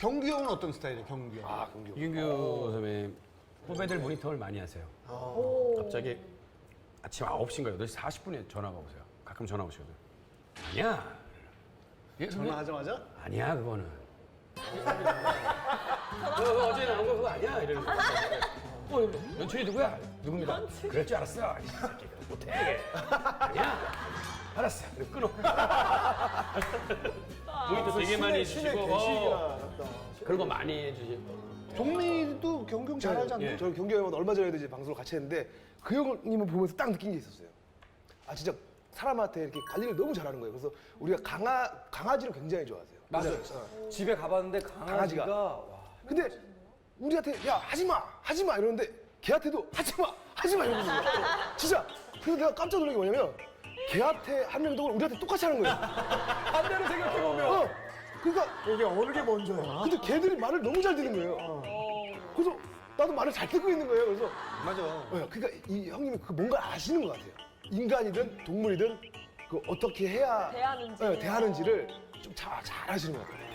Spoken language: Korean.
경규 형은 어떤 스타일이에요, 경규 형? 아, 경규. 이균규 선배님 후배들 모니터를 많이 하세요. 갑자기 아침 9시인가 8시 40분에 전화가 오세요. 가끔 전화 오시거든. 아니야. 예, 선배님? 전화하자마자? 아니야 그거는. 너 어제 나온 거 그거 아니야 이러는 거. 연출이 누구야? 누굽니다. 그럴 줄 알았어. 이 새끼가 못해. 아니야. 알았어. 그래 끊어. 모니터 되게 많이 해주시고. 그런 거 많이 해주시고. 종민이도 경규 형 잘 알지 않나요? 예. 저 경규 형은 얼마 전에도 이제 방송을 같이 했는데 그 형님을 보면서 딱 느낀 게 있었어요. 아 진짜 사람한테 이렇게 관리를 너무 잘하는 거예요. 그래서 우리가 강아지를 굉장히 좋아하세요. 맞아요. 집에 가봤는데 강아지가 와. 근데 우리한테 야 하지 마 이러는데 걔한테도 하지 마 이러는 거예요. 진짜. 그래서 내가 깜짝 놀란 게 뭐냐면 걔한테 한 행동을 우리한테 똑같이 하는 거예요. 반대로 생각해보면 그러니까 이게 어느 게 먼저야? 근데 걔들이 말을 너무 잘 듣는 거예요. 그래서 나도 말을 잘 듣고 있는 거예요. 그래서 맞아. 그러니까 이 형님이 그 뭔가 아시는 것 같아요. 인간이든 동물이든 그 어떻게 해야 대하는지. 대하는지를 좀 잘 아시는 것 같아요.